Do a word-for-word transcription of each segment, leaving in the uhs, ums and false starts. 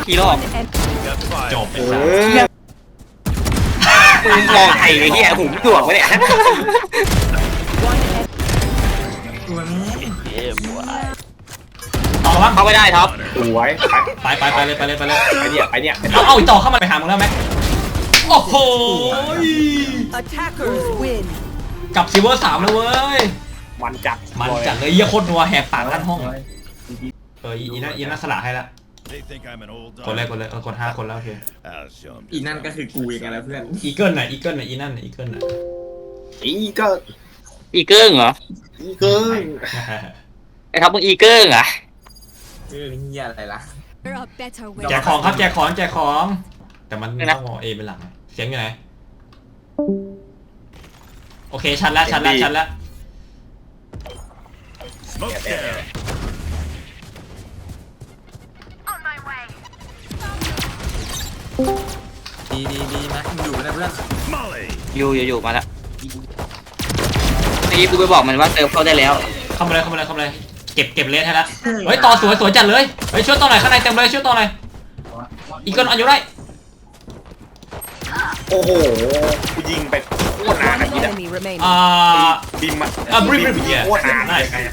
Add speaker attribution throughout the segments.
Speaker 1: ผีหลอก
Speaker 2: จบ
Speaker 3: เออ
Speaker 1: มึงมองไอ้เหี้ยหูไม่ถ่วงวะเนี่ย
Speaker 2: ต่อบ้าง
Speaker 1: เข้าไม่ได้ท็อป
Speaker 3: สวย
Speaker 2: ไปไปไปเลยไปเลยไปเลย
Speaker 3: ไปเนี่ยไปเนี่ย
Speaker 2: เอาเอาอีกต่อเข้ามาไปหามึงแล้วไหมโอ้โห
Speaker 4: Attackers win.
Speaker 2: กับซิลเวอร์สามแล้วเว้ย
Speaker 3: มันจัด
Speaker 2: มันจัดเลยเยี่ยโคตรนัวแหกปากลั่นห้องเอออีน่าอีน่าสละให้ละกดเลยกดเลยเออกดห้าคนแล้วโอเค
Speaker 5: อีนั่นก็คือกูเองแล้วเพื่อน
Speaker 2: อีเกิลน่ะอีเกิลน่ะอีนั่นน่ะอีเกิลน่ะ
Speaker 3: อีก็
Speaker 1: อีเกิ้งเหรอ
Speaker 3: อีเกิน
Speaker 1: ไอ้ท็อปมึงอีเกิ้งเหรอ
Speaker 5: เออเฮียอะไรล่ะ
Speaker 4: There are better
Speaker 2: แจ
Speaker 4: ways.
Speaker 2: กของครับแจกของแจกของแต่มันต้องมองเอเป็นหลักเสียงอยู่ไหนโอเคชัดแล้วชัดแล้วชัดแล้ว
Speaker 5: ดีดีดีนะอยู่นะเพื่อน
Speaker 1: อยู่อยู่อยู่มาแล้วนี่กูไปบอกมันว่าเติมเข้าได้แล้ว
Speaker 2: เข้ามาเลยเข้ามาเลยเข้ามาเลยเก็บเก็บเลสให้แล้วเฮ้ยต่อสวยสวยจัดเลยเฮ้ยช่วยต่อหน่อยข้างในเต็มเลยช่วยต่อหน่อยอีกคนอันอยู่ได้
Speaker 3: โอ้โหกูยิงไปโคตรนาน
Speaker 4: One
Speaker 3: นะพี่นะ
Speaker 4: enemy remaining.
Speaker 2: อ่า
Speaker 3: บิมอะ
Speaker 2: อ่ะบริบริบเนี่ย
Speaker 3: โคตรนาน
Speaker 2: ได้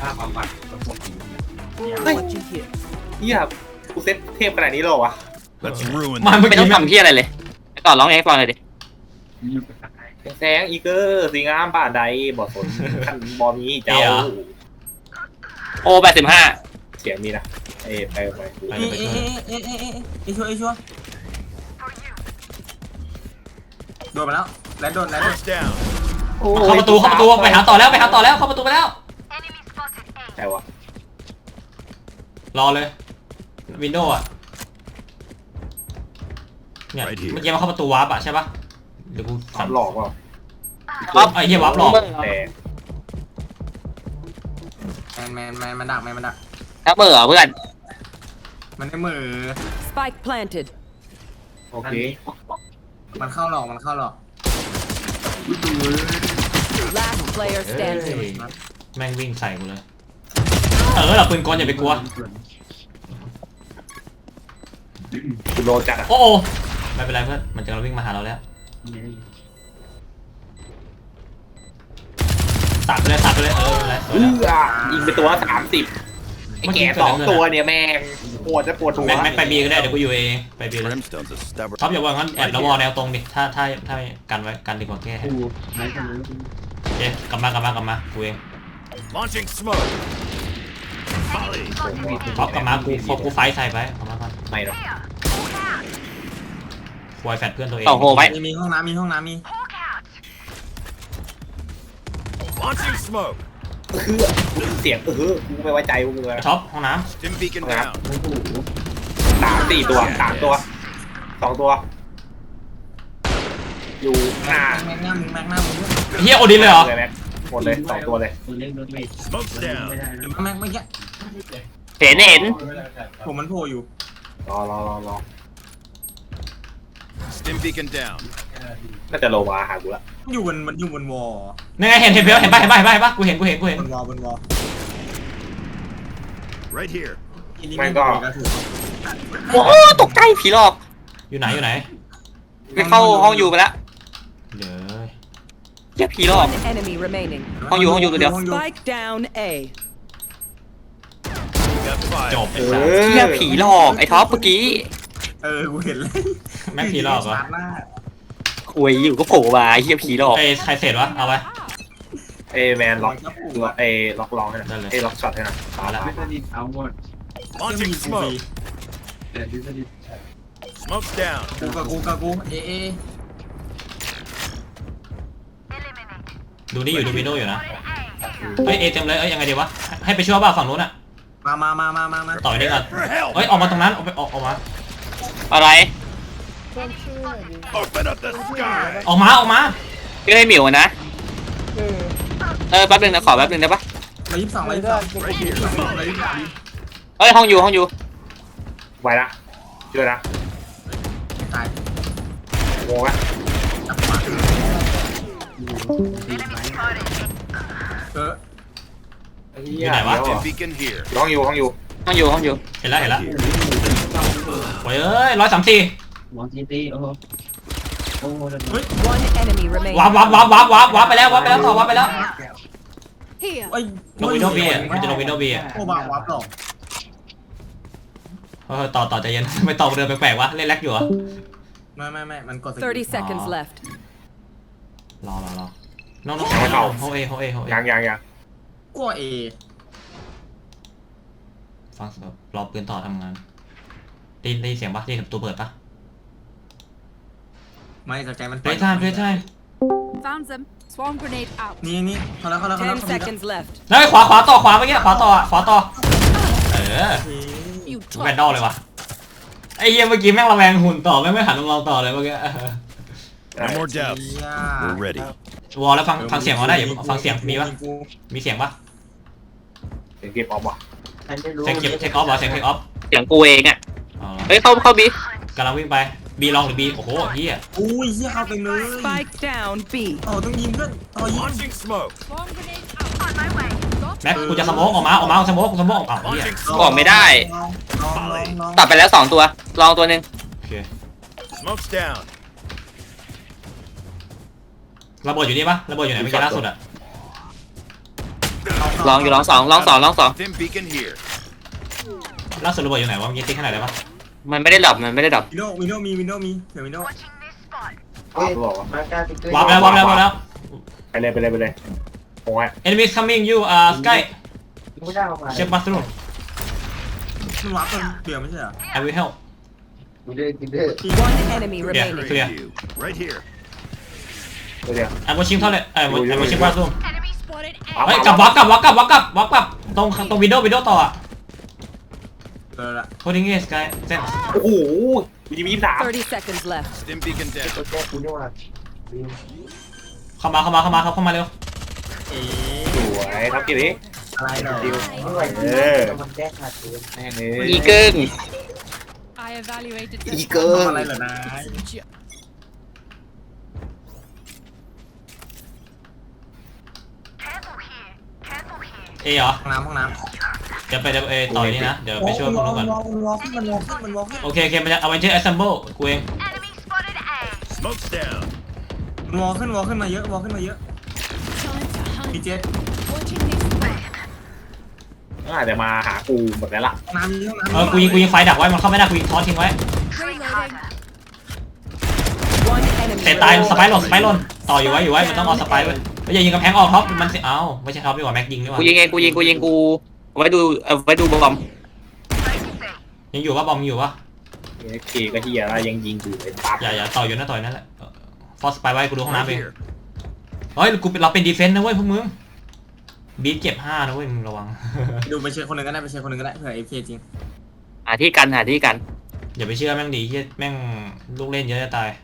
Speaker 4: Watching here.
Speaker 3: เฮียกูเซ็ตเทพขนาดนี้เลยเหรอวะ
Speaker 2: มาเมื่อ
Speaker 1: ไม่ต้อ
Speaker 2: กี้
Speaker 1: งทำที่อะไรเลยต่อร้องเองฟังเลยดิ
Speaker 3: แสงอีเกอร์สีงามป่าใดบ่สนขันบอมีเจ้า
Speaker 1: โอแปดสิบห้า
Speaker 3: เสียงมีนะเอ้ไปไป
Speaker 2: ไป
Speaker 5: เอ๊ะ
Speaker 2: ไป
Speaker 5: เอ๊ะเอ๊ะเอ๊ะเอ๊ะเอ๊ะชัวร์เอ๊ะชัวร์โดนมาแล้วแล้วโดนแล้วโดน
Speaker 2: เข้าประตูเข้าประตูไปหาต่อแล้วไปหาต่อแล้วเข้าประตูไปแล้ว
Speaker 3: ใช่วะ
Speaker 2: รอเลยวินโดว์อะเนี่ยเมื่อกี้มาเข้าประตูวาร์ปอะใช่ปะเดี๋ยวกู
Speaker 3: สามหลอกเปล่า
Speaker 2: ปั๊บไอ้เหี้ยวาร์ปหลอก
Speaker 3: แต่
Speaker 5: แมนแมนแมนมันดักแมนมันดัก
Speaker 1: ถ้าเบื่อเพื่อน
Speaker 5: มันได้มือ
Speaker 4: Spike planted.
Speaker 3: โอเค
Speaker 5: มันเข้าหลอกมันเข้าหลอก
Speaker 4: Last player
Speaker 2: เฮ้ย
Speaker 4: standing.
Speaker 2: แม่งวิ่งใส่กูเลยเออเราปืนกลอย่าไปกลัว
Speaker 3: กูโดนจัดอะ
Speaker 2: โอ้โอไม่เป็นไรเพื่อนมันจะวิ่งมาหาเราแล้วตัดไปเลยตัดไปเลยเอออะไร
Speaker 3: เออยิงไปตัวสามสิบไอ้แก่สองตัวเนี่ยแม่งปวดจะปวดหัว
Speaker 2: แม็กแม็กไปบีก็ได้เดี๋ยวกูอยู่เองไปบีเลยท็อปอย่าว่างั้นแอบแล้ววอลแนวตรงดิถ้าถ้าถ้ากันไว้กันดีกว่าแก้เอ๊ะกลับมากลับมากลับมากูเอง
Speaker 6: Launching smoke.
Speaker 2: ท็อปกลับมากูฟกูไฟใส่ไปกลับมาก่อน
Speaker 3: ไม่หรอก
Speaker 2: ควายแฟดเพื่อนตัวเอง
Speaker 1: ต่อโหไว้
Speaker 5: มีมีห้องน้ำมีห้องน้ำมี
Speaker 6: Launching smoke.
Speaker 3: คือเสียงเออกูไม่ไว้ใจพวกมึงเลย
Speaker 2: ท็อปห้องน้
Speaker 6: Stim beacon down.
Speaker 3: สามสี่ตัวสามตัวสองตัว อยู่หน้า
Speaker 5: แม็กหน้ามึงแม็กหน้ามึง
Speaker 2: ำเฮียโอดินเลยเหรอ
Speaker 3: เลยแม็กหมดเลยสองตัวเลย
Speaker 6: Smoke's down.
Speaker 5: แม็กเมื่อกี้
Speaker 1: เห็นเห็น
Speaker 5: ผมมันโผล่อยู่
Speaker 3: รอรอรอรอ
Speaker 6: Stim beacon down.
Speaker 3: น่าจะโลมาหากูละ
Speaker 5: อยู่บนมันอยู่บนวอล
Speaker 2: นี่ไงเห็นเห็นเบลเห็นป่ะเห็นป่ะเห็นป่ะเห็นป่ะกูเห็นกูเห็นกูเห็น
Speaker 5: บนวอลบนวอล
Speaker 6: Right here.
Speaker 1: โอ้ตกใจผีหลอก
Speaker 2: อยู่ไหนอยู่ไหน
Speaker 1: ไปเข้าห้องอยู่ไปแล้ว
Speaker 2: เดี๋ยว
Speaker 1: เหี้ยผีหลอก
Speaker 4: One enemy remaining.
Speaker 1: ห้องอยู่ห้องอยู่ตัวเดียว
Speaker 4: Spike down A.
Speaker 6: Got
Speaker 2: จ
Speaker 6: five.
Speaker 2: บไอ้สัส
Speaker 1: เหี้ยผีหลอกไอ้ท็อปเมื่อกี้
Speaker 5: เออกูเห็นเลย
Speaker 2: แม็กผีหลอกเหรอ
Speaker 1: คุยอยู่ก็โผล่มาเหี้ยผีหลอก
Speaker 2: ไอ้ใครเสร็จวะเอาไป
Speaker 3: เอแมนล็อกล็อกเอล็อกลองให้หน่อยเอล็อกช็อตให้หน่อย
Speaker 2: เอาละ
Speaker 6: Launching smoke. Smoke's down.
Speaker 5: กูกับกูกับกูเอเอ
Speaker 2: ดูนี่อยู่ดูวินโดว์อยู่นะเฮ้ยเอเต็มเลยเอ้ยยังไงดีวะให้ไปช่วยบ้าฝั่งนู้นอะ
Speaker 5: มามามามามามา
Speaker 2: ต่อยได้ก่อน
Speaker 6: For help.
Speaker 2: เฮ้ยออกมาตรงนั้นออกไปออกออกมา
Speaker 1: อะไร
Speaker 6: Open up the sky.
Speaker 2: ออกมาออกมา
Speaker 1: พี่ให้หมิวนะเออแป๊บนึงนะขอแป๊บนึงได้ปะ
Speaker 5: ร้อยยี่สิบสองร้อยยี่สิบสองร้อยยี่สิบสองร้อยยี่สิบสอง
Speaker 1: เฮ้ยห้องอยู่ห้องอยู่
Speaker 3: ไว้นะช่วยนะ
Speaker 5: ตาย
Speaker 3: โง่ไหม
Speaker 5: เออ
Speaker 2: อยู่ไหนวะ
Speaker 6: Stim beacon here.
Speaker 3: ห้องอยู่ห้องอยู่
Speaker 1: ห้องอยู่ห้องอยู่
Speaker 2: เห็นแล้วเห็นแล้วโอ้ยเอ้ยร้อยสามสี่
Speaker 7: มองจีตีโอ้โหโอ้โห
Speaker 4: One enemy remaining.
Speaker 2: วับวับวับวับวับวับไปแล้ววับไปแล้วต่อวับไปแล้ว
Speaker 8: Here.
Speaker 5: ไอ้ย
Speaker 2: ลงวินโดว์บีอ่ะมันจะลงวินโดว์บีอ่ะ
Speaker 5: โอ้บางวับหรอก
Speaker 2: เออต่อต่อใจเย็น ไม่ต่อเดินแปลกๆวะเล่นแร็กอยู่เหรอ
Speaker 5: ไม่ไม่ไม่มันกดสกิล
Speaker 4: Thirty seconds left.
Speaker 2: รอรอรอน้องน้องโฮเอโฮเอโฮเอ
Speaker 3: ยังยังยัง
Speaker 5: กลัวเอ
Speaker 2: ฟังเสียงรอปืนต่อทำงานได้ได้เสียงปะได้ยินตัวเปิดปะ
Speaker 5: ไม่สนใจมัน
Speaker 2: เพลย์ไทม์เพลย์ไทม์
Speaker 8: Found them. Swarm grenade out.
Speaker 5: นี่นี่เขาแล้วเขาแล้วเขาแล้ว
Speaker 4: Ten seconds left.
Speaker 2: แล้วขวาขวาต่อขวาเมื่อกี้ขวาต่อขวาต่อเออ
Speaker 8: You
Speaker 2: แวนดอลเลยวะไอ้เหี้ยเมื่อกี้แม่งระแวงหุ่นต่อไม่ไม่หันมามองต่อเลยเมื่อกี้
Speaker 6: No more doubts.
Speaker 5: เหี้ย
Speaker 6: We're ready.
Speaker 2: วอลแล้วฟังฟังเสียงเขาได้อยู่ฟังเสียงมีปะมีเสียงปะ
Speaker 3: เสียงเก็บออกว่ะ
Speaker 7: ใครไม่รู้
Speaker 2: เสียงเก็บเทคออฟเหรอเสียงเทคออฟ
Speaker 1: เสียงกูเองอ่ะ
Speaker 2: อ๋อ
Speaker 1: เฮ้ยเข้าเข้าบี
Speaker 2: กำลังวิ่งไปบีลองหรือบีโอ้โหเหี้ย
Speaker 5: อุ้ยเหี้ยเข้าไปเลย
Speaker 4: Spike down B.
Speaker 5: ต่อต้องยิงเพื่อนต่อยิง
Speaker 6: Launching smoke.
Speaker 8: Swarm grenade out. On my way. Got
Speaker 2: แม็กกูจะสโมกออกมาออกมาสโมกสโมกอ้าวเหี้ย
Speaker 6: Launching
Speaker 1: ออก
Speaker 6: smoke.
Speaker 1: ไม่ได้
Speaker 5: ลองลองลองลอง
Speaker 1: ตัดไปแล้วสองตัว ลองตัวหนึ่ง
Speaker 2: โอเค
Speaker 6: Smoke's down.
Speaker 2: ระเบิดอยู่นี่ปะระเบิดอยู่ไหนเมื่อกี้ล่าสุดอะ
Speaker 1: ลองอยู่ลองสองลองสองลองสอง
Speaker 6: Dim beacon here.
Speaker 2: ล่าสุดระเบิดอยู่ไหนวะเมื่อกี้ติ๊กขนาดไหนปะ
Speaker 1: มันไม่ได้ดับมันไม่ได้ดับ
Speaker 5: วินโดว์วินโดว์มีวินโดว์มีเผื่อวินโดว์
Speaker 7: เฮ้ยมาการติ๊กเกอร์
Speaker 2: วาร์ปแล้ววาร์ปแล้ววาร์ปแล้ว
Speaker 3: ไปเลยไปเลยไปเลยโอ้ย
Speaker 2: enemies coming you uh sky
Speaker 7: ไม่ได้ออกมา
Speaker 2: check bathroom
Speaker 5: มันวับเป็นเบื่อไม่ใช่เหรอ
Speaker 2: I will help
Speaker 7: กูเด้อกูเด้อ
Speaker 4: One enemy
Speaker 2: Yeah.
Speaker 4: remaining.
Speaker 2: Clear.
Speaker 6: You. Right here.
Speaker 3: เดี๋ยว
Speaker 2: I'm watching toilet เอ้ย I'm watching bathroom
Speaker 8: enemy spotted.
Speaker 3: เอา
Speaker 2: เฮ้ยกลับวับกลับวับกลับวับกลับวับกลับตรงตรงวินโดว์วินโดว์ต่ออะ
Speaker 5: เจอละ
Speaker 2: holding it sky thanks
Speaker 3: โอ้โหมีมีสาม
Speaker 4: Thirty seconds left.
Speaker 6: Dim beacon down.
Speaker 7: ตัวแก้กูนี่ว่า
Speaker 2: เข้ามาเข้ามาเข้ามาครับเข้ามาเร็ว
Speaker 5: เอ๊
Speaker 3: สวยครับกี่นี้
Speaker 5: อะไรเหรอ
Speaker 7: ไม่ไหวมันแก้ขาดตัว
Speaker 3: แม่งเลย
Speaker 1: อีเกิง
Speaker 8: I evaluated
Speaker 1: อี
Speaker 8: this.
Speaker 1: เกิง
Speaker 5: อะไรเหรอนาย
Speaker 2: เอเหรอ
Speaker 5: ห้องน้ำห้องน้ำ
Speaker 2: เดี๋ยวไปเดี๋ยวเอต่อนี้นะเดี๋ยวไปช่วยพวกนู้นก่อน
Speaker 5: มันวอลขึ้นมันวอลขึ้นมันวอลขึ้น
Speaker 2: โอเคโอเคมันจะเอาไว้ที่ assemble กูเอง
Speaker 6: Smoke's down.
Speaker 5: มันวอลขึ้นวอลขึ้นมาเยอะวอลขึ้นมาเยอะ
Speaker 8: Time to hunt.
Speaker 5: พี่เจษ
Speaker 8: Watching this way.
Speaker 3: อาจจะมาหากูหมดแล้วล่ะ
Speaker 5: ห้องน้ำมีห้องน้ำ
Speaker 2: เออกูยิงกูยิงไฟดักไว้มันเข้าไม่ได้กูยิงทอสทิ้งไว้
Speaker 8: Reloading.
Speaker 4: One enemy
Speaker 2: เตะตาย
Speaker 4: remaining.
Speaker 2: สไปร์หล่นสไปร์หล่นต่ออยู่ไว้อยู่ไว้มันต้องเอาสไปร์ไว้ไม่อย่ายิงกำแพงออกท็อปมันสิเอ้าไม่ใช่ท็อปดีกว่าแม็กยิงดีกว่า
Speaker 1: กูยิงเองกูยิงกูยิงกูเอาไว้ดูเอาไว้ดูบอม
Speaker 2: ยังอยู่ปะบอมอยู่ปะ
Speaker 3: เอฟเคก็เฮียแล้วยังยิงกูเลยปั๊บ
Speaker 2: อย่าอย่าต่ออยู่นะต่ออยู่นั่นแหละฟอสไปไว้กูดูห้อง
Speaker 6: Right
Speaker 2: น้ำเอง
Speaker 6: here.
Speaker 2: เฮ้ยกูเป็นเราเป็นดีเฟนต์นะเว้ยพวกมึงบีทเก็บห้านะเว้ยมึงระวัง
Speaker 5: ดูไปเชียร์คนหนึ่งก็ได้ไปเชียร์คนหนึ่งก็ได้เผื่อเอฟเคจริง
Speaker 1: หาที่กันหาที่กัน
Speaker 2: อย่าไปเชื่อแม่งดีเฮียแม่งลูกเล่นเยอะจะตาย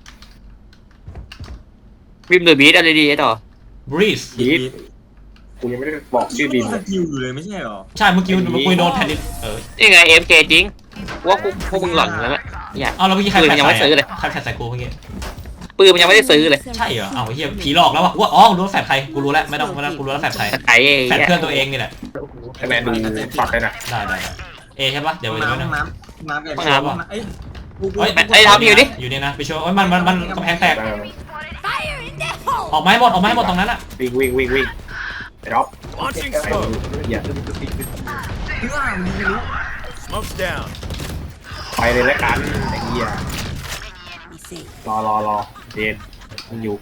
Speaker 1: วิมหรือบีทอะไรดีไอ้ต่อบ
Speaker 2: รีส
Speaker 3: บีทกูยังไม่ได้บอกชื่อบีม
Speaker 5: ส
Speaker 3: เลย
Speaker 5: กิลอยู่เลยไม่ใช่เหรอ
Speaker 2: ใช่เมื่อกี้เมื่อกี้โดนแผ่นดินเออ
Speaker 1: นี่ไงเอ็มเคจริงว่าพวกพวกมึงหล่อนแล้วเนี่ยเนี่ย
Speaker 2: เอาแล้วเมื่อกี้ใคร
Speaker 1: ปืน
Speaker 2: แผ่น
Speaker 1: ยังไม่
Speaker 2: ใส่
Speaker 1: ซื้อเลย
Speaker 2: ใครแผ่นใส่กูเมื่อกี้
Speaker 1: ปืนมันยังไม่ได้ซื้อเลย
Speaker 2: ใช่เหรอเอาเฮียผีหลอกแล้ววะว่าอ๋อรู้แล้วแฟดใครกูรู้แล้วไม่ต้องไม่ต้องกูรู้แล้วแฟดใคร
Speaker 1: ไอ้
Speaker 2: แฟดเพื่อนตัวเองนี่แหละ
Speaker 3: ไอแมนดูช็อตเลยนะ
Speaker 2: ได้ได้ได้เอใช่ปะเดี๋ยว
Speaker 5: ห้อง
Speaker 2: เดี๋ยว
Speaker 5: น้ำ
Speaker 2: นะ
Speaker 5: ห้องน้ำห้องน้ำแบบเอ้ย
Speaker 2: เฮ้ย
Speaker 1: ไอ้ทำอยู่ดิ
Speaker 2: อยู่นี่นะไปช่วยโอ้ยมันมันมันกำแพงแตก
Speaker 3: เออ
Speaker 8: Fire in the hole.
Speaker 2: ออกมาให้หมดออกมาให้หมดตรงนั้นอะ
Speaker 3: วิ่งวิ่งวิ่งวิ่งไอ้ด็อก
Speaker 6: Launching
Speaker 3: ไอ้
Speaker 6: smoke.
Speaker 3: เหี้ย
Speaker 5: เพื่อนมันไม่รู้
Speaker 6: Smoke's down.
Speaker 3: ไปเลยแล้วกันไอ้เหี้ยรอรอรอเดนมันอยู่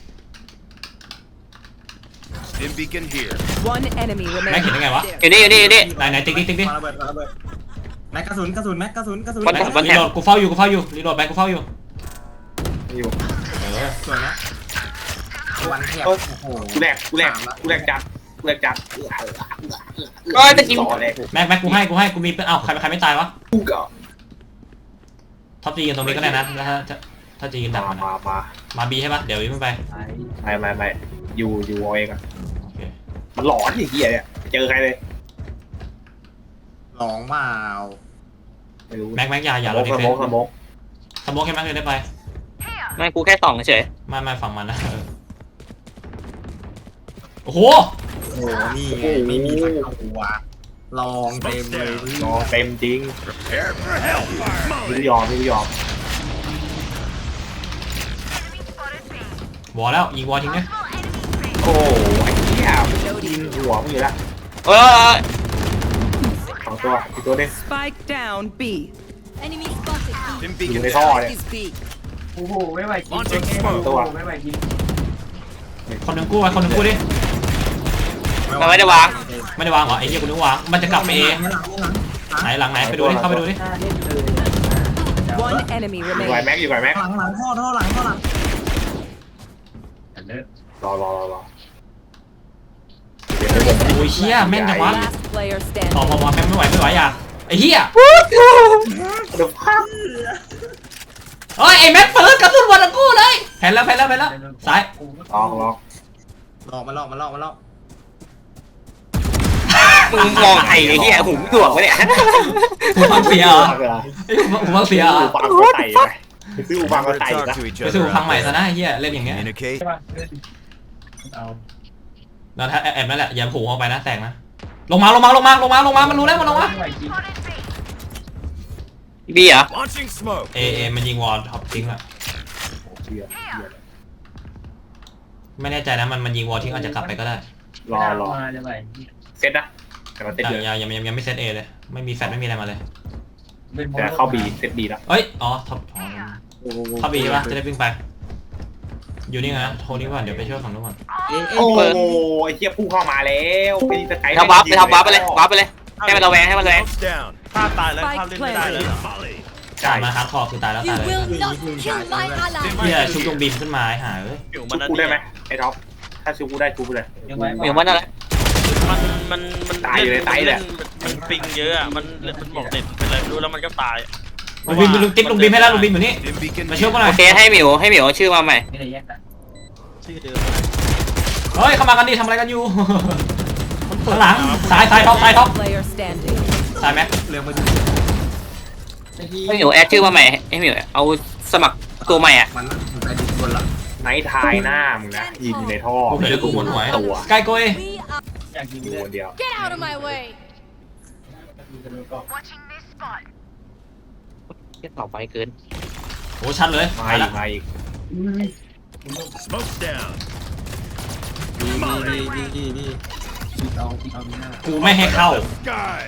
Speaker 6: Dim beacon here.
Speaker 4: One enemy
Speaker 2: แม็กเห็น
Speaker 4: remaining.
Speaker 2: ได้ไงวะ
Speaker 1: อยู่นี่อยู่นี่อยู่นี่
Speaker 2: ไหนไหนติ๊กติ๊กติ๊กติ๊ก
Speaker 5: มาระเบิดมาระเบิดแม็กกระสุนกระสุนแม็กกระสุนกระสุน
Speaker 1: วัน
Speaker 2: รี
Speaker 1: วัน
Speaker 2: โหลดกูเฝ้าอยู่กูเฝ้าอยู่รีโหลดไปกูเฝ้าอยู่
Speaker 3: อยู่
Speaker 2: เออ
Speaker 5: สวยนะวันแทบ
Speaker 3: โอ้
Speaker 5: โอ้โห
Speaker 3: กูแรกกูแรกกูแรกจัดกูแรกจัด
Speaker 1: ก็ตะกี้
Speaker 3: ต่อเลย
Speaker 2: แม็กแม็กกูให้กูให้กูมีเอ้าใครใครไม่ตายวะ
Speaker 3: กูก็
Speaker 2: ท็อปจีกันตรงนี้ก็ได้นะแล้วถ้าถ้าจีกันดั
Speaker 3: มาก
Speaker 2: มัน
Speaker 3: มามา
Speaker 2: มาบีใช่ปะเดี๋ยววิ่งไป
Speaker 3: ไม่ไม่ไม่อยู่อยู่เอาเองอะ
Speaker 2: โอเค
Speaker 3: มันหลอนไอ้เหี้ยเนี่ยเจอใครเลย
Speaker 5: ลองเปล่า
Speaker 3: ไม่รู้
Speaker 2: แม็กแม็กอย่าอย่า
Speaker 3: ส
Speaker 2: เรา
Speaker 3: โม
Speaker 2: ดิ
Speaker 3: ก
Speaker 2: เฟ
Speaker 3: ส
Speaker 2: น
Speaker 3: โมกสโมก
Speaker 2: สโมกแค่แม็กเลยได้ไป
Speaker 1: ไม่กูแค่ส่องเฉย
Speaker 2: ไม่ไม่ฝั่งมันนะโอ้โห
Speaker 5: โอ้โหนี่ไงไม่มีสักตัวลองเต็มเลย
Speaker 3: นอนเต็มจริง
Speaker 6: Prepare for hellfire.
Speaker 3: ไม่ยอมไม่ยอม
Speaker 2: วอลแล้วยิงวอลทิ้งเนี่ย
Speaker 3: โอ้ไอ้เหี้ยยิงหัวมึงอยู่แล้ว
Speaker 1: เออ
Speaker 3: สองตัวอีกตัวนึง
Speaker 4: Spike down B.
Speaker 8: Enemy spotted.
Speaker 6: Dim
Speaker 3: อยู่
Speaker 6: beacon
Speaker 3: ในท่อ
Speaker 6: down.
Speaker 3: เลย
Speaker 4: Is B.
Speaker 7: โอ้โหไม่ไหวกิน
Speaker 6: Launching
Speaker 7: โอ้
Speaker 6: smoke.
Speaker 7: โหไม่ไหวกิน
Speaker 2: คนหนึ่งกู้ไว้คนหนึ่งกู้ดิ
Speaker 1: มันไม่ได้วาง
Speaker 2: ไม่ได้วางเหรอไอ้เหี้ยกูนึกวางมันจะกลับไปเอไหนหลังไหนไปดูดิเข้าไปดูดิ
Speaker 7: หน้าเล่นเลย
Speaker 4: One enemy
Speaker 3: อยู่ไหว
Speaker 4: remaining.
Speaker 3: แม็กอยู่ไหวแม็ก
Speaker 5: หลังหลังท่อท่อหลังท่อหลัง
Speaker 3: รอรอรอรอ
Speaker 2: โอ้ยเชี่ยแม่นจังวะ
Speaker 4: Last player
Speaker 2: ต่อ
Speaker 4: standing.
Speaker 2: พอพอแม่งไม่ไหวไม่ไหวอย่าไอ้เหี้ย
Speaker 3: เดี๋ยวพัก
Speaker 2: เฮ้ยไอ้แม็กเฟิร์สกระสุนวันทั้งคู่เลยแผ่นแล้วแผ่นแล้วแผ่นแล้วซ้าย
Speaker 3: ลองลอง
Speaker 5: หลอกมาหลอกมาหลอกมาหลอก
Speaker 1: มึงมองไอ้เหี้ยหูถ่วงวะเนี่ย
Speaker 2: หูฟังเสียเหรอ
Speaker 3: พักเหรอ
Speaker 2: ไอ้หูฟังเสียเหรอ
Speaker 3: อูฟังก็ไต่ไปไปซื้ออูฟังก็
Speaker 6: Gotta
Speaker 3: ไต่
Speaker 6: talk
Speaker 3: นะ
Speaker 6: to each
Speaker 2: ไปซื้อ
Speaker 6: other.
Speaker 2: หูฟังใหม่
Speaker 6: out
Speaker 2: ซะ
Speaker 6: there.
Speaker 2: นะไอ้เหี้ยเล่นอย่างเงี้ย
Speaker 6: Communicate.
Speaker 7: เอา
Speaker 2: แล้วถ้าแอบนั่นแหละอย่าผูกเข้าไปนะแตกนะลงมาลงมาลงมาลงมาลงมามันรู้แล้วมันลงมา
Speaker 7: ไม่ไหวกิน
Speaker 1: บีเหรอ
Speaker 6: Launching smoke.
Speaker 2: เอเอมันยิงวอลท็อปทิ้งอะ
Speaker 3: เหี้ย
Speaker 2: ไม่แน่ใจนะมันมันยิงวอลทิ้งอาจจะกลับไปก็ได้
Speaker 3: รอรอ
Speaker 7: มาจะไหว
Speaker 3: เซ็ตนะแต่มันเซ็ต
Speaker 2: แต่
Speaker 3: เยอะ
Speaker 2: ยังยังยังยังไม่เซตเอเลยไม่มีแฟลชไม่มีอะไรมาเลย
Speaker 3: แต่เข้าบีเซ็ตบีแล้ว
Speaker 2: เอ้ยอ๋อท็อปอ๋อเข้าบีใช่ปะจะได้วิ่งไปอยู่นี่ไงนะโทรนี่ก่อนเดี๋ยวไปช่วยฝั่งนู้นก่อน
Speaker 5: เอ๊ะ
Speaker 3: โอ้
Speaker 5: เอ๊ะ
Speaker 3: โหไอ้เหี้ยพุ่งเข้ามาแล้วไปสไกด์
Speaker 1: ทำวับไปทำวับไปเลยวับไปเลยให้มันระแวงให้มันระแวง
Speaker 6: Smoke's down.
Speaker 9: ภาพตายแล้วภาพเล่นไม่ได้เลยเหรอ
Speaker 6: Volley.
Speaker 2: จ่ายมาฮาร์ดคอร์คือตายแล้ว
Speaker 8: You
Speaker 2: ตายเลย
Speaker 8: will not kill my ally.
Speaker 2: เฮียชุบตรงบีมขึ้นมาไอ้ห่าเอ้ย
Speaker 9: อยู่
Speaker 3: ชุ
Speaker 9: มัน
Speaker 3: บ
Speaker 9: นั่น
Speaker 3: กูได้
Speaker 9: นี่
Speaker 3: ไหมไอ้ท็อปถ้าชุบกูได้ชุบกูเลย
Speaker 7: ยังไหว
Speaker 1: เหมียวมันอะไร
Speaker 9: มันมันมัน
Speaker 3: ตายอยู่ในไซส์
Speaker 9: เล่น
Speaker 3: เลย
Speaker 9: มันปิงเยอะอะมันมันบอกเน็ตเป็นอะไรไม่รู้แล้วมันก็ตาย
Speaker 2: ลุงบีมลุงติ๊บลุงบีมให้แล้วลุงบีมอยู่นี่
Speaker 6: Dim beacon
Speaker 2: มาช่วย
Speaker 6: here.
Speaker 2: กูหน่อ
Speaker 1: โอย เคให้หมิวให้หมิวเอาชื่อมาใหม่
Speaker 7: ไม่ได้แยกกัน
Speaker 9: ชื่อเดิม
Speaker 2: เฮ้ยเข้ามากันดิทำอะไรกันอยู่ ข้างหลังซ้ายซ้ายท็อปซ้ายท็อป
Speaker 4: Player standing.
Speaker 2: ซ้ายแม็ก
Speaker 5: เร็วมาดู
Speaker 1: ให้หมิวแอดชื่อมาใหม่ให้หมิวเอาสมัครตัวใหม่อ่ะ
Speaker 5: มันไปดิบนละ
Speaker 3: ไนท์ทายหน้ามึงนะยิงในท่อ
Speaker 2: กูเห็นกูหมุนหัว
Speaker 3: ตัว
Speaker 2: สกายโกย
Speaker 8: We are.
Speaker 7: อยากกิน
Speaker 3: อยู่
Speaker 7: เลย
Speaker 3: คนเดียว
Speaker 8: Get out of my way.
Speaker 1: ต่อไปเกิน
Speaker 2: โอ้ชัดเลย
Speaker 3: มา
Speaker 2: มา
Speaker 3: อี
Speaker 2: แล้ว
Speaker 3: กมาอีก
Speaker 6: Smoke's down.
Speaker 5: ดีดีดีดีดีเอาเอาหน้า
Speaker 2: กูไม่ให้เข้า
Speaker 6: Sky.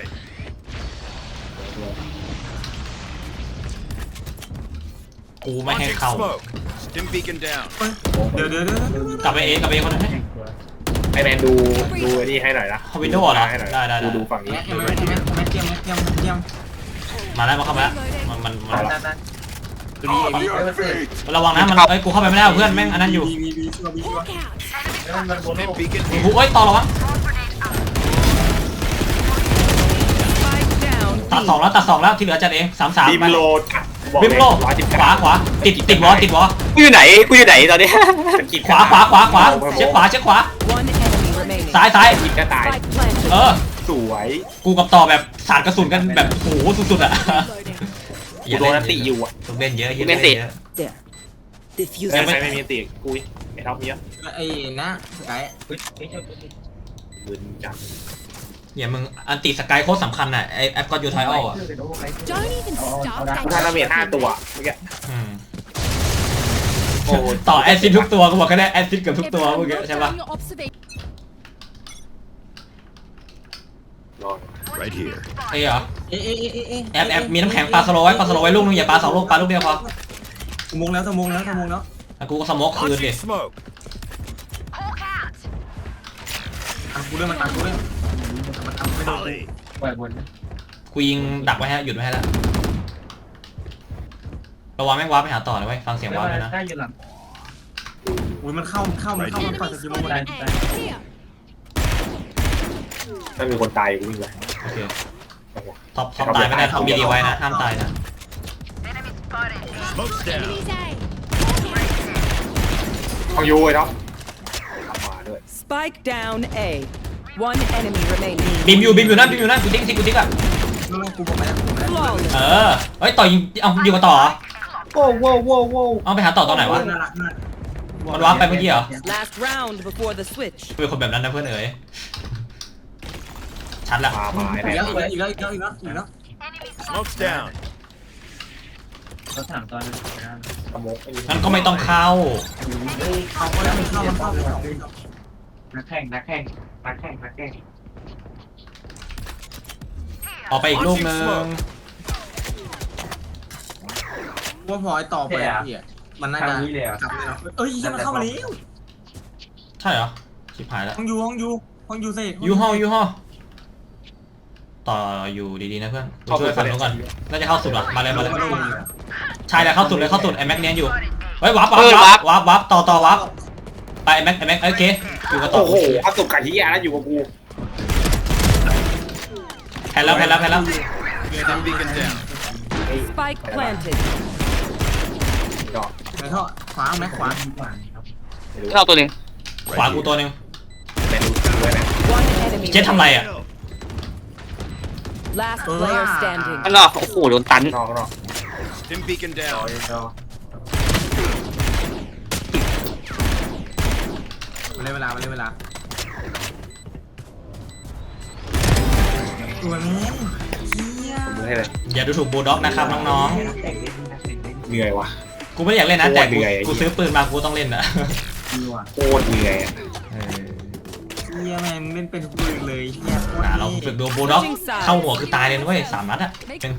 Speaker 2: กูไม่ให้
Speaker 6: Launching
Speaker 2: เข้า
Speaker 6: smoke. Dim beacon down.
Speaker 5: เดี๋ยวเดี๋ยวเดี๋ยว
Speaker 2: กลับไปเอกลับไปเอคนนั้นไหม
Speaker 3: ไอ้แมนดูดูไอ้นี่ให้หน่อยนะ
Speaker 2: เอา Windows เหรอ
Speaker 3: ให้หน่อย
Speaker 2: ได้ได้ได้
Speaker 3: ดูดูฝั่งนี้
Speaker 5: แม็กแม็กแม็กแม็กเกียมแม็กเกียมแม็กเกียม
Speaker 2: มาแล้วมาเข้ามาแล้วมันมันมัน
Speaker 7: นั่นนั่น
Speaker 5: ดีดี
Speaker 7: ไม่มาเสิร์ฟ
Speaker 2: ระวังนะมันเอ้ยกูเข้าไปไม่ได้เพื่อนแม่งอันนั้นอยู่
Speaker 5: ดีดีดีชัวร์ดีชัวร์
Speaker 8: Look out.
Speaker 7: แล้วมันบนโล
Speaker 6: Dim
Speaker 7: ก
Speaker 6: beacon
Speaker 2: โอ้
Speaker 6: here.
Speaker 2: โหเอ้ยต่อระวัง
Speaker 4: Spike down
Speaker 2: ตัด
Speaker 4: B.
Speaker 2: สองแล้วตัดสองแล้วที่เหลือจัดเองสามสาม
Speaker 3: บิม
Speaker 2: ไป
Speaker 3: โลบอก
Speaker 2: บิมโล
Speaker 3: ร้อยสิบ
Speaker 2: ขวาขวาติดติดวอติดวอ
Speaker 1: กูอยู่ไหนกูอยู่ไหนตอนนี้
Speaker 2: ขวาขวาขวาขวาเช็คขวาเช็คขวา
Speaker 4: One enemy remaining.
Speaker 2: ซ้ายซ้าย
Speaker 3: กินก็ตาย
Speaker 4: Spike planted.
Speaker 2: เออ
Speaker 3: สวย
Speaker 2: กูกับต่อแบบสาดกระสุนกันแบบโอ้โหสุดๆอ่ะ
Speaker 8: Reloading.
Speaker 3: กูโดนนันติอยู่อ่ะ
Speaker 2: ต้องเล่นเยอะเยอะ
Speaker 1: เล่นติ
Speaker 2: เยอะ
Speaker 4: There.
Speaker 3: เอ
Speaker 4: Diffuse.
Speaker 3: อใครไม่มีติกูไอ้ท็อปเยอะ
Speaker 5: ไอ้นะสกาย
Speaker 7: เฮ้ยเฮ้ยเฮ้ย
Speaker 3: ปืนจัง
Speaker 2: อย่ามึงอันติสกายโคตรสำคัญอ่ะไอแอปก็ยูไทออลอ่ะ
Speaker 8: Don't even start
Speaker 3: กูทำดาเมจ
Speaker 8: that.
Speaker 3: ห้าตัวเมื่อกี้
Speaker 2: อืม
Speaker 3: โอ้
Speaker 2: ต่อแอซิดทุกตัวกูบอกแค่ได้แอซิดเกือบทุกตัวเมื่อกี้
Speaker 8: Everyone
Speaker 2: ใช่ปะ
Speaker 8: note your observation.
Speaker 3: รอ
Speaker 6: Right here.
Speaker 2: เอ้ยเหรอ
Speaker 5: เอ๊ะเอ๊ะเอ๊ะเอ๊ะ
Speaker 2: แอปแอปมีน้ำแข็งปลาสโลว์ไว้ปลาสโลว์ไว้ลูกนึงอย่าปลาสองลูกปลาลูกเดียวพอ
Speaker 5: สมงแล้วสมงแล้วสมงแล้ว
Speaker 2: แล้วกูก็สโมกคืนดิ
Speaker 6: Launching smoke.
Speaker 5: อ่ะกูเรื่องมันอ่ะกูเรื่องมันทำไม่โดน
Speaker 6: Volley.
Speaker 7: ปล่อยบน
Speaker 2: กูยิงดักไว้ให้หยุดไว้ให้แล้วระวังแม่งว้าร์ปไปหาต่อเลยเว้ยฟังเสียงว้าร์ปเลยนะ
Speaker 7: ได้อยู่หลัง
Speaker 5: อุ้ยมันเข้ามันเข้ามันเข้ามัน
Speaker 8: Enemy
Speaker 5: ปล่อยสกิลมัน
Speaker 8: spotted
Speaker 5: ได้
Speaker 8: A. Here.
Speaker 3: ถ้ามีคนตายกูวิ่งเลย
Speaker 2: โอเคท็อปท็อปตายไม่ได้ท็อปมีดีไว้นะห้ามตายนะ
Speaker 6: Smoke's down.
Speaker 8: Enemies A.
Speaker 3: ของยูไอ้ท็อปกลับมาด้วย
Speaker 4: Spike down A. One enemy remaining.
Speaker 2: บิมอยู่บิมอยู่นั่นบิมอยู่นั่นกูติ๊กติ๊กกูติ๊กอ่ะ
Speaker 5: กูกูบอกไปแล้วกูบอกไปแล้ว
Speaker 4: Flawless.
Speaker 2: เออเฮ้ยต่อยิงเอาอยู่กับต่อเหรอ
Speaker 3: โว้โว้โว้โว้
Speaker 2: เอาไปหาต่อตอนไหนวะ
Speaker 5: น่ารักมาก
Speaker 2: มันว้าร์ปไปเมื่อกี้เหรอ
Speaker 4: Last round before the switch.
Speaker 2: เป็นคนแบบนั้นนะเพื่อนเอ๋ยชัดละ
Speaker 3: มามาไอ้
Speaker 5: อีก
Speaker 3: แม่
Speaker 5: แล้วอีกแล้วอีกแล้วอีกแล้วอีกแล้วอีกแล้ว
Speaker 6: Smoke's down.
Speaker 7: รถถังตอนนั้น
Speaker 3: สโมกไอ้นี่
Speaker 2: งั้นก็ไม่ต้องเข้า
Speaker 7: เฮ้ยเขาก็ได้เข้ามันเข้านักแข่งนักแข่งนักแข่งนักแข่ง
Speaker 2: ออกไปอีกลูกนึง
Speaker 5: ว่าพอไอ้ต่อไปอ่ะพี่มันน่า
Speaker 7: ทา
Speaker 5: จะ
Speaker 7: งนี้เลยอ่ะ
Speaker 5: กลับเลยเอ้ยมันเข้ามาแล้ว
Speaker 2: ใช่เหรอชิบหายแล้ว
Speaker 5: ห้องยูห้องยูห้องยูเซ่
Speaker 2: ยูฮอยูฮอต่ออยู่ดีๆนะเพื่อนกูช่วยฝั่งนู้นก่อนน่าจะเข้าสุดว่ะมาเลยมาเลยใช่แล้วเข้าสุดเลยเข้าสุดไอ้แม็กเนียนอยู่เฮ้ยวับวับวับวับวับต่อต่อวับไปไอ้แม็กไอ้แม็กโอเคอยู่กับต่อ
Speaker 3: โอ้โหเอาสุกไก่ที่ยาแล้วอยู่กับกู
Speaker 2: แพ้แล้วแพ้แล้วแพ้แล้ว
Speaker 6: Stim beacon down.
Speaker 4: Spike planted.
Speaker 3: ดอก
Speaker 5: ไหนท่อขวาแม็กขวา
Speaker 1: เข้าตัวหนึ่ง
Speaker 2: ขวากูตัวหนึ่ง
Speaker 3: แมนดูด้วยนะ
Speaker 4: One enemy.
Speaker 2: เจ๊ทำไรอ่ะ
Speaker 4: Last player standing.
Speaker 1: ข้างนอกโอ้โหโดนตัน
Speaker 3: นอกนอก
Speaker 6: Stim beacon
Speaker 3: ดอก
Speaker 6: down.
Speaker 3: ดอก
Speaker 5: มาเลยเวลามาเลยเวลาตัวนี้เฮีย
Speaker 3: มือให้เลย
Speaker 2: อย่าดูถูกบูลด็อกนะครับน้อง
Speaker 3: เหนื่อยว่ะ
Speaker 2: ๆกูไม่ได้อยากเล่นนะแต่กู
Speaker 3: โคตรเหนื่อยไอ้เหี้ย
Speaker 2: กูซื้อปืนมากูต้องเล่นนะ
Speaker 3: โคตรเหนื่อยอะ
Speaker 2: เออ
Speaker 5: เฮียแม่งเล่นเป็นทุกปืนเลยเฮียโคตร
Speaker 2: อ่ะเราฝึกดูบูลด็อกเข้าหัวคือตายเลยนะเว้ยสามนัดอ่ะเป็น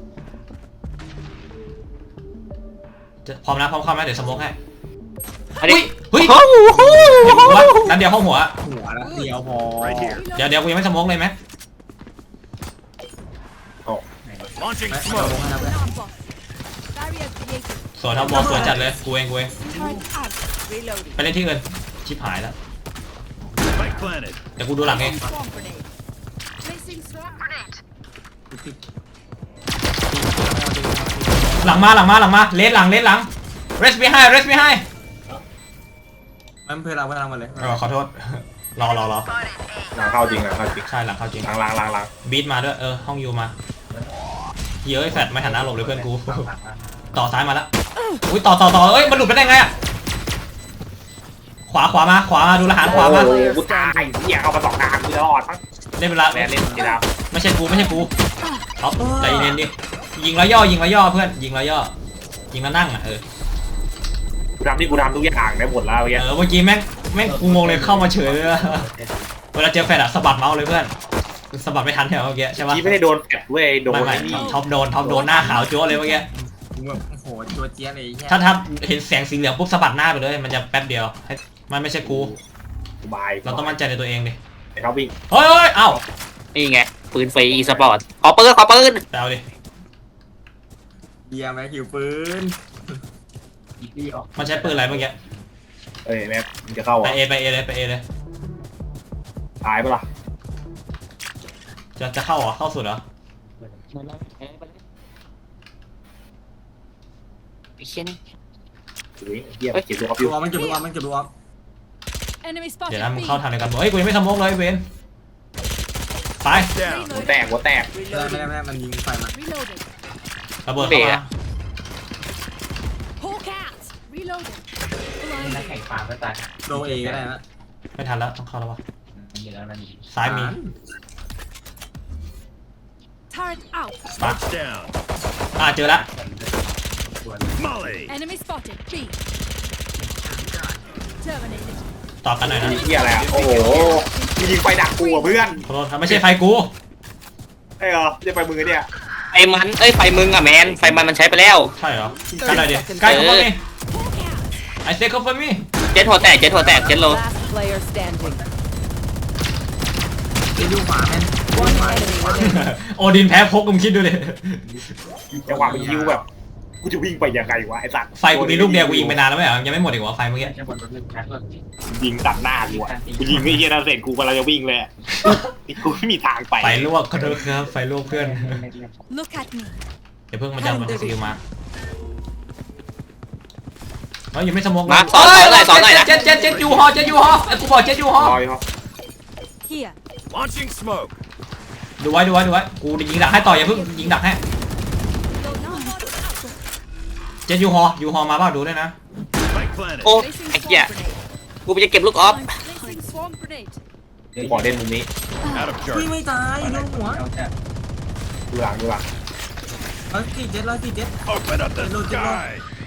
Speaker 2: จะพร้อมนะพร้อมเข้าไหมเดี๋ยวสโมกให้
Speaker 1: อันนี้
Speaker 2: เฮ้ย
Speaker 1: โอ้โห
Speaker 2: เห็นกูว่านัดเดียวเข้าหัว
Speaker 5: หัวละเดียวพอ
Speaker 6: Right here.
Speaker 2: เดี๋ยวเดี๋ยวกูยังไม่สโมกเลยไหม
Speaker 6: Launching
Speaker 5: แม็ก
Speaker 6: smoke.
Speaker 5: ลงให้นะเพื่อน
Speaker 8: Barrier created.
Speaker 2: สวนทับบอลสวนจัดเลยกูเองกูเอง
Speaker 8: Turret out. Reloading.
Speaker 2: ไปเล่นที่อื่นชิบหายแล้ว
Speaker 6: Spike planted.
Speaker 2: เดี๋ยวกูดูหลังเอง
Speaker 8: Swamp grenade. Placing swamp grenade.
Speaker 2: หลังมาหลังมาหลังมาเลสหลังเลสหลัง rest behind rest behind
Speaker 5: มันเพื่อนเราเพื่อนเรามาเลย
Speaker 2: เออขอโทษ รอรอรอ
Speaker 3: หลังเข้าจริงหลังเข้าจริง
Speaker 2: ใช่หลังเข้าจริง
Speaker 3: หลังหลังหลังหลัง
Speaker 2: บีทมาด้วยเออห้องยูมาเฮ้ยแฟดไม่หันหน้าหลบเลยเพื่อนกู ต่อซ้ายมาแล้วอุ้ยต่อต่อต่อเอ้ยมันหลุดไปได้ไงอะขวาขวามาขวามาดูละหารขวามา
Speaker 3: โอ้โหกูตายเหี้ยเข้ามาสองทางกูจะรอดมั้ง
Speaker 2: เล่นเวลา
Speaker 3: แมนเล่นจีดาว
Speaker 2: ไม่ใช่กูไม่ใช่กูเอาใจเย็นดิยิงแล้วย่อยิงแล้วย่อเพื่อนยิงแล้วย่อยิงแล้วนั่งอ่ะเออ
Speaker 3: กูทำที่กูทำทุกอย่างได้หมดแล้วเมื่อกี้
Speaker 2: เออเมื่อกี้แม่งแม่งกูงงเลยเข้ามาเฉยเลยอะเวลาเจอแฟดอะสะบัดเมาส์เลยเพื่อนสะบัดไม่ทันแถวเมื่อกี้ใช่ปะ
Speaker 3: ที่ไม่ได้โดนแฟดเว้ยโดน
Speaker 2: ไม่ไม่
Speaker 3: ไอ้นี่
Speaker 2: ท็อปโดนท็อปโดนหน้าขาวจั๊วเลยเมื่อกี้
Speaker 5: กูแบบโอ้โหตัวเจี๊ยบเลยเฮีย
Speaker 2: ถ้าถ้าเห็นแสงสีเหลืองปุ๊บสะบัดหน้าไปเลยมันจะแป๊บเดียวให้มันไม่ใช่กู
Speaker 3: สบาย
Speaker 2: เราต้องมั่นใจในตัวเองดิ
Speaker 3: ไอ้เขาวิ่ง
Speaker 2: เฮ้ยเฮ้ยเอ้า
Speaker 1: นี่ไงปืนฟรีอีสปอร์ตขอปืนขอปืน
Speaker 2: ไปเอาดิ
Speaker 5: เฮียแม็กหิวปืน
Speaker 7: อีกที่ออก
Speaker 2: มันใช้ปืนอะไรเมื่อกี้
Speaker 3: เอ้ยแม็กมึงจะเข้า
Speaker 2: ไป
Speaker 3: อ่ะ
Speaker 2: เอไปเอเลยไปเอเลย
Speaker 3: ตายปะล่ะ
Speaker 2: จะจะเข้าเหรอเข้าสุดเหรอ
Speaker 1: ไอ้เชี่ยนี่
Speaker 3: อุ้ยเหี้ยเก็บตัวออฟอ
Speaker 5: ดู
Speaker 3: ยู่
Speaker 5: ออฟมันเก็บดูออฟมันเก็บดูออฟ
Speaker 8: Enemy
Speaker 2: เดี๋ยว
Speaker 8: spotted.
Speaker 2: นะมึง
Speaker 8: B.
Speaker 2: เข้าทางในกันบอกเฮ้ยกูยังไม่สโมกเลยเวนไป
Speaker 6: Down.
Speaker 3: หัวแตกหัวแตก
Speaker 5: ไม่ได้ไม่ได้ไม่ได้มันยิงไฟมา
Speaker 8: Reloading.
Speaker 2: ระเบิดเข้ามา
Speaker 8: Hawk out. Reloading.
Speaker 7: นัก
Speaker 8: Blinding.
Speaker 7: แข่งปาก็ตาย
Speaker 5: โดเอก็ได้นะ
Speaker 2: ไม่ทันแล้วต้องเข้าแล้ววะ
Speaker 7: มีแล้วมัน
Speaker 2: ซ้ายมี
Speaker 8: Turret out.
Speaker 6: Smoke's down.
Speaker 2: อ่าเจอละ
Speaker 6: Molly.
Speaker 8: Enemy spotted. B. Terminated.
Speaker 2: ต่อกันหน่อยนะ
Speaker 3: เหี้ยอะไรอ่ะโอ้โหมึงยิงไฟดักกูอ่ะเพื่อน
Speaker 2: ขอโทษครับไม่ใช่ไฟกู
Speaker 3: ไอ้เหรอจะไปมือเนี่ย
Speaker 1: ไอ้มันเอ้ยไฟมึงอะแมนไฟมันมันใช้ไปแล้ว
Speaker 2: ใช่เหรอกันหน่อยดิใกล้เข้ามาดิ
Speaker 8: Hawk out.
Speaker 2: ไอเซ็กเข้ามามี
Speaker 1: เจ็ดหัวแตกเจ็ดหัวแตกเจ็ดโล
Speaker 4: Last player standing.
Speaker 5: เดี๋ยวดูขวาแม่น
Speaker 4: One enemy remaining.
Speaker 2: โอดินแพ้พกมึงคิดดูดิ
Speaker 3: จังหวะมันยิวแบบกูจะวิ่งไปยังไงวะไอ้สัตว์
Speaker 2: ไฟกูมีลูกเดียวกูยิงไปนานแล้วไม่เหรอยังไม่หมดอีกวะไฟเมื่อกี้
Speaker 7: จะบนรถหนึ่งชั้นรถ
Speaker 3: ยิงตัดหน้ากูอ่ะกูยิงไอ้เหี้ยนั่นเสร็จกูกำลังจะวิ่งเลยอะกูไม่มีทางไป
Speaker 2: ไฟลวกขอโทษครับไฟลวกเพื่อน
Speaker 8: Look at me.
Speaker 2: เดี๋ยวเพิ่งมันจะมันสกิลมาเฮ้ยยังไม่สมอง
Speaker 1: มาสอนหน่อยหน่อยสอนหน่อยนะ
Speaker 2: เจ็ดเจ็ดเจ็ดยูฮอเจ็ดยูฮอไอ้กูบอกเจ็ดยูฮอ
Speaker 3: รอยเขา
Speaker 8: Here.
Speaker 6: Launching smoke.
Speaker 2: ดูไว้ดูไว้ดูไว้กูยิงดักให้ต่ออย่าเพิ่งยิงดักให้ เจ็ดยูฮอยูฮอมาบ้างดูด้วยนะ
Speaker 6: Spike planted.
Speaker 1: โอ้
Speaker 8: Placing
Speaker 1: ไอ้เหี้ย
Speaker 8: swamp grenade.
Speaker 1: กูไปจะเก็บลูกออฟ
Speaker 8: I'm placing swamp grenade.
Speaker 3: กูขอเล่นมุมนี้
Speaker 6: Out of
Speaker 5: อุ้ย
Speaker 6: charge.
Speaker 5: ไม่ตายโดนหัว
Speaker 7: เราจะ
Speaker 3: ดูหลังดูหลัง
Speaker 5: ร้อยสี่เจ็ดร้อยสี่เจ็ด
Speaker 6: Open up the sky.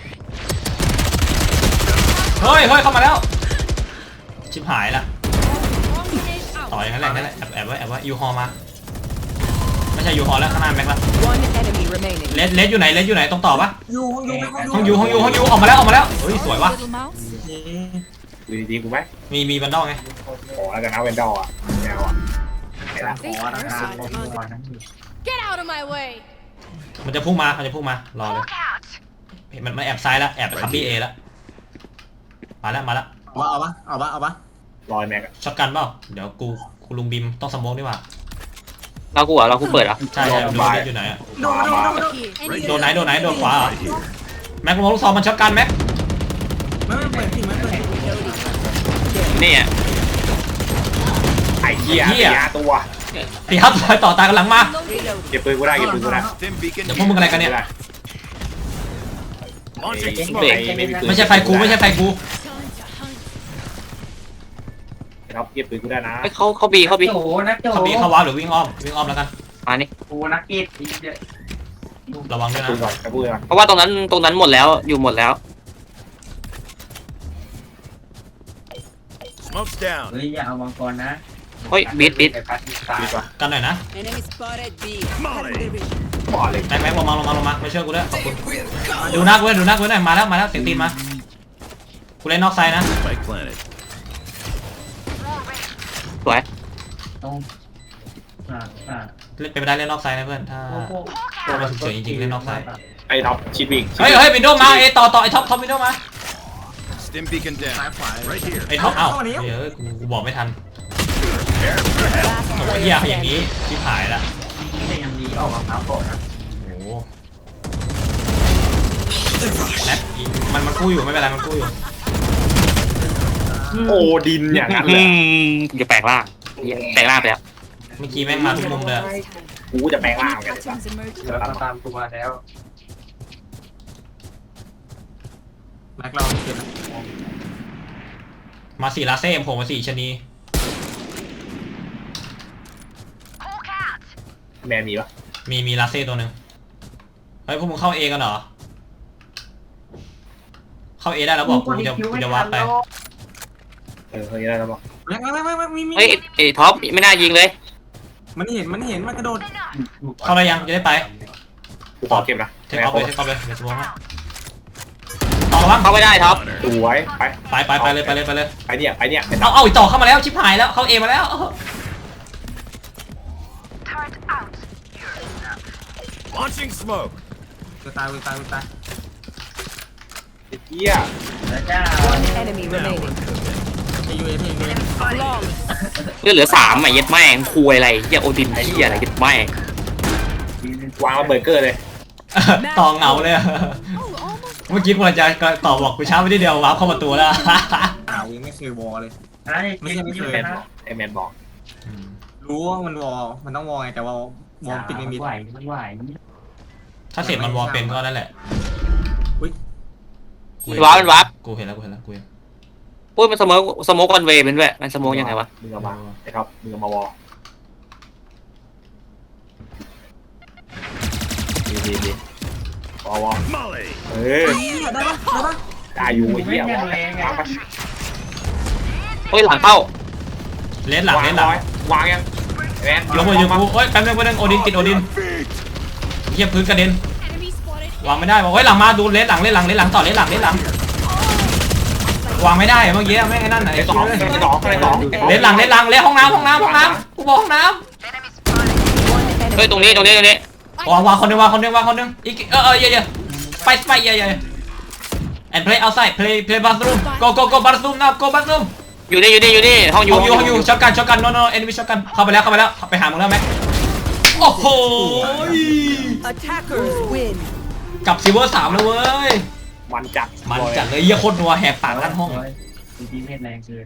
Speaker 2: เฮ้ยเฮ้ยเข้ามาแล้วชิบหายละ
Speaker 8: Swarm grenade
Speaker 2: ต่อ
Speaker 8: out.
Speaker 2: อย่างนั้นแหละนั่นแหละแอบแอบไว้แอบไว้ยูฮอมาไม่ใช่ยูฮอแล้วข้างหน้าแม็กละ
Speaker 4: One enemy remaining.
Speaker 2: เลสเลสอยู่ไหนเลสอยู่ไหนตรงต่อปะ
Speaker 5: อยู่ห้องอยู่
Speaker 2: ห้องยูห้องยูห้องยูออกมาแล้วออกมาแล้วเฮ้ยสวยวะ
Speaker 8: Little mouse.
Speaker 3: ดูดีๆกูไหม
Speaker 2: มีมีบันดอลไง
Speaker 3: ขอแล้วกันนะเวนดอร์อ่ะแนวอ่ะไอ้ละ
Speaker 7: ขอนะครับขอขอนะ
Speaker 8: Get out of my way.
Speaker 2: มันจะพุ่งมามันจะพุ่งมารอเลยเห็นมันมันแอบซ้ายแล้วแอบไปคับบี้เอแล้วมาแล้วมาแล้ว
Speaker 5: เอาปะเอาปะเอาปะเอาปะ
Speaker 3: รอยแม็กอะ
Speaker 2: ช็อตกันเปล่าเดี๋ยวกูกูลุงบิมต้องสโมกดีกว่า
Speaker 1: เรากูเหรอเรากูเปิดเหรอ
Speaker 2: ใช่ใช่ดูเลสอยู่ไหนอะ
Speaker 5: โดนโดนโดน
Speaker 8: Here.
Speaker 2: โดนไหนโดนไหนโดนขวาเหรอแม็กกูมองลูกซองมันช็อตกันแม็ก
Speaker 5: ไม่ไม่เปิดสิไม่เปิด
Speaker 1: นี่อ่ะ
Speaker 3: ไอ้เหี้ยไอ้ยาตัว
Speaker 2: ตีครับซอยต่อตายกันหลังมา
Speaker 3: เก็บปืนกูได้เก็บปืนกูได้
Speaker 6: Stim beacon.
Speaker 2: เดี๋ยวพวกมึงอะไรกันเนี่ย
Speaker 6: Launching
Speaker 3: ไม่
Speaker 6: smoke.
Speaker 3: ไม่มีปืน
Speaker 2: ไม่ใช่ไฟกูไม่ใช่ไฟกู
Speaker 3: ครับเก็บปืนกูได้นะ
Speaker 1: เฮ้ยเขาเขาบีเขาบี
Speaker 7: โจนักโจ
Speaker 2: เขาบีเข้าวาร์ปหรือวิ่งอ้อมวิ่งอ้อมแล้วกัน
Speaker 1: มานี่
Speaker 7: กูนักกีฬา
Speaker 2: ระวังด้วย
Speaker 3: ปืนก่อ
Speaker 2: นะ
Speaker 3: นกระปืนก่อน
Speaker 1: เพราะว่าตรงนั้นตรงนั้นหมดแล้วอยู่หมดแล้ว
Speaker 6: Smoke's down.
Speaker 7: เฮ้ยอย่าเอามังกรนะ
Speaker 1: เฮ้ยบิดบิด
Speaker 3: ปืนก่อน
Speaker 2: กันหน่อยนะ
Speaker 4: Enemy spotted B.
Speaker 6: Molly.
Speaker 3: ก่อนเลย
Speaker 2: แม็กแม็กลงมาลงมาลงมาไม่เชื่อกูด้วยขอบคุณดูหน้ากูด้วยดูหน้ากูด้วยมาแล้วมาแล้วเสียงตีนมากูเล่นนอกไซด์นะ
Speaker 6: Spike planted.
Speaker 1: สวย
Speaker 7: ตรงอ่าอ่า
Speaker 2: เล่นเป็นไปได้เล่นนอกไซด์นะเพื่อนถ้าตัวมันฉุกเฉินจริงๆเล่นนอกไซด์
Speaker 3: ไอ้ท็อปชิดวิ่ง
Speaker 2: เฮ้ยเฮ้ยวินโดว์มาเอต่อต่อไอท็อปท็อปวินโดว์มา
Speaker 6: Stim beacon
Speaker 5: ซ้าย
Speaker 6: down.
Speaker 5: ขวา
Speaker 6: Right here.
Speaker 2: ไอท็อปเอ้าเฮ้ยกูกูบอกไม่ทันโอ้ยเหี้ยอย่างนี้ชิบหายละ
Speaker 7: ที่ยังดีออกมาเท้าโกนะ
Speaker 2: โอ้โหแม็กมันมันกู้อยู่ไม่เป็นไรมันกู้อยู่
Speaker 3: โอ้ดินอย่างนั้นเล
Speaker 1: อื
Speaker 3: ย
Speaker 1: มจะแปลงร่างเหี้ยแปลงร่างไปแล้ว
Speaker 2: เมื่อกี้แม่งมาทุกมุมเลย
Speaker 3: กูจะแปลงร่าง
Speaker 8: Any
Speaker 3: กันเลย
Speaker 8: patterns emerging?
Speaker 7: แล้วก็ตามกูมาแล้ว
Speaker 5: แม็กเราเก็บ
Speaker 2: มาสี่ลาเซ่ผมมาสี่ชะนี
Speaker 3: แมนมีปะ
Speaker 2: มีมีลาเซ่ตัวหนึ่งเฮ้ยพวกมึงเข้าเอกันเหรอเข้าเอได้แล้วบอกกูจะกูจะวาร์ปไป
Speaker 3: เออเฮ้ยได้แล้วปะ
Speaker 5: แม็กแม็กแม็กแม็กมีมี
Speaker 1: เฮ้ยไอ้ท็อปไม่น่ายิงเลย
Speaker 5: มันเห็นมันเห็นมันกระโดด
Speaker 2: เข้าได้ยังจะได้ไป
Speaker 3: กูขอเก็บนะ
Speaker 2: เทคออฟเลยเทคออฟเลยเดี๋ยวสมองให้ต่อระวัง
Speaker 1: เขาไม่ได้ท็อป
Speaker 3: สวยไป
Speaker 2: ไปไปไปเลยไปเลยไปเลย
Speaker 3: ไปเนี่ยไปเนี่ยไป
Speaker 2: เอาเอาอีกต่อเข้ามาแล้วชิบหายแล้วเข้าเอมาแล้ว
Speaker 6: Launching smoke.
Speaker 5: จะตายจะตายจะตาย
Speaker 3: เหี้ย
Speaker 7: แล้วจ้า
Speaker 4: One enemy remaining.
Speaker 5: เอยูเอฟเอยูเอฟ
Speaker 1: เลือดเหลือสามอ่ะเย็ดแม่งคุยอะไรเหี้ยโอดินเหี้ยอะไรเย็ดแม่ง
Speaker 3: วางระเบิดเกอร์เลย
Speaker 2: ต่อเหงาเลยอะ
Speaker 8: Oh, almost.
Speaker 2: เมื่อกี้กูจะต่อบอกกูช้าไปนิดเดียววาร์ปเข้าประตูแล้ว
Speaker 5: อ้าวยังไม่เคยวอลเลย
Speaker 7: ไม่ใช่ไม่เคย
Speaker 3: แมน
Speaker 7: นะ
Speaker 3: บอกไอ้แมนบอก
Speaker 5: รู้ว่ามันวอลมันต้องวอลไงแต่ว่าวอลปิดไม่มิด
Speaker 7: ไหวมันไหว
Speaker 2: ถ้าเสร็จมันวอลเป็นก็นั่นแหละ
Speaker 5: อุ้ย
Speaker 2: กูเห็
Speaker 1: วาร์ปมันวาร์ป
Speaker 2: กูเห็นแล้วกูเห็นแล้วกูเห็น
Speaker 1: พูดมันสโมกสโมกวันเวย์เป็นด้วยมันสโมกยังไงวะ
Speaker 3: มึงเอามาไอ้ท็อปมึงเอามาวอลดีดีดีวอลวอล
Speaker 6: Molly.
Speaker 3: เออ
Speaker 5: ได้ปะได้ปะ
Speaker 3: ได้อยู่ไอ้เหี้ยวอลวางไป
Speaker 1: เฮ้ยหลังเข้า
Speaker 2: เลนหลังเลนหลัง
Speaker 3: วางยังแมน
Speaker 2: ลงมาอยู่กูเฮ้ยแป๊บนึงแป๊บนึงโอดินติดโอดินเทียบพื้นกระเด็น
Speaker 8: Enemy spotted.
Speaker 2: วางไม่ได้บอกเฮ้ยหลังมาดูเลนหลังเลนหลังเลนหลังต่อเลนหลังเลนหลังวางไม่ได้เมื่อกี้แม่งไอ้นั่นไหน
Speaker 3: ไอ้สองไอ้สองไอ้สอง
Speaker 2: เลนหลังเลนหลังเลนห้องน้ำห้องน้ำห้องน้ำกูบอกห้องน้
Speaker 4: One
Speaker 1: เฮ้ย
Speaker 4: enemy.
Speaker 1: ตรงนี้ตรงนี้ตรงนี้
Speaker 2: ำวางวางคนหนึงวางคนหนึงวางคนหนึงอีกเออเออเยอะเยอะไปไปเยอะเยอะ and play outside play play bathroom go go go bathroom now go bathroom
Speaker 1: อยู่นี่อยู่นี่อยู่นี่ห้องอ
Speaker 2: อยู่ ยู่อยู่อยู่ช็อตกันช็อตกัน no no enemy ช็อตกันเข้าไปแล้วเข้าไปแล้วไปหามึงแล้วแม็กโอ้โห
Speaker 4: Attackers win.
Speaker 2: กลับซิลเวอร์สามแล้วเว้ย
Speaker 3: มันจัด
Speaker 2: มันจัดเลยเยี่ยโคตรนัวแหกปากลั่นห้อง
Speaker 7: ดีเพศแรงเกิน